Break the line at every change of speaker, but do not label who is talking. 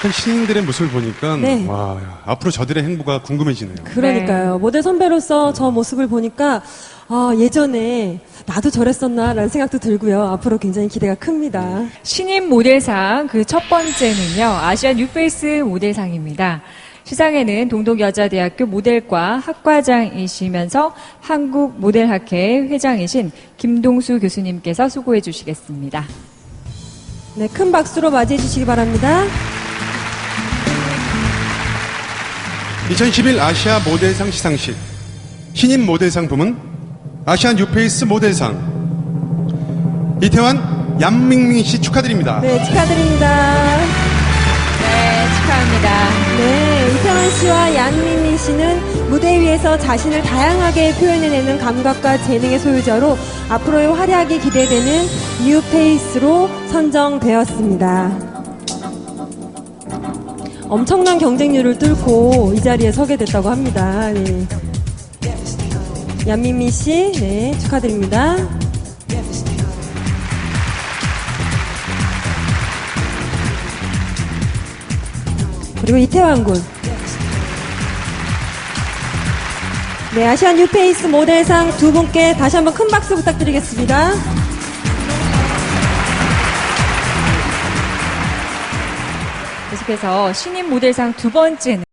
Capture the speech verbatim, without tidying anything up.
약간 신인들의 모습을 보니까
네.
와, 앞으로 저들의 행보가 궁금해지네요.
그러니까요.
네.
모델 선배로서 저 모습을 보니까 아, 예전에 나도 저랬었나라는 생각도 들고요. 앞으로 굉장히 기대가 큽니다.
신인 모델상 그 첫 번째는요, 아시안 뉴페이스 모델상입니다. 시상에는 동독여자대학교 모델과 학과장이시면서 한국모델학회 회장이신 김동수 교수님께서 수고해 주시겠습니다.
네, 큰 박수로 맞이해 주시기 바랍니다.
이천십일 아시아 모델상 시상식 신인 모델상 부문 아시안 뉴페이스 모델상 이태환, 얀밍밍 씨 축하드립니다.
네, 축하드립니다.
네, 축하합니다.
네, 이태원 씨와 양민민 씨는 무대 위에서 자신을 다양하게 표현해내는 감각과 재능의 소유자로 앞으로의 활약이 기대되는 뉴페이스로 선정되었습니다. 엄청난 경쟁률을 뚫고 이 자리에 서게 됐다고 합니다. 네. 양민민 씨, 네, 축하드립니다. 그리고 이태환 군. 네, 아시안 뉴페이스 모델상 두 분께 다시 한번 큰 박수 부탁드리겠습니다.
계속해서 신인 모델상 두 번째는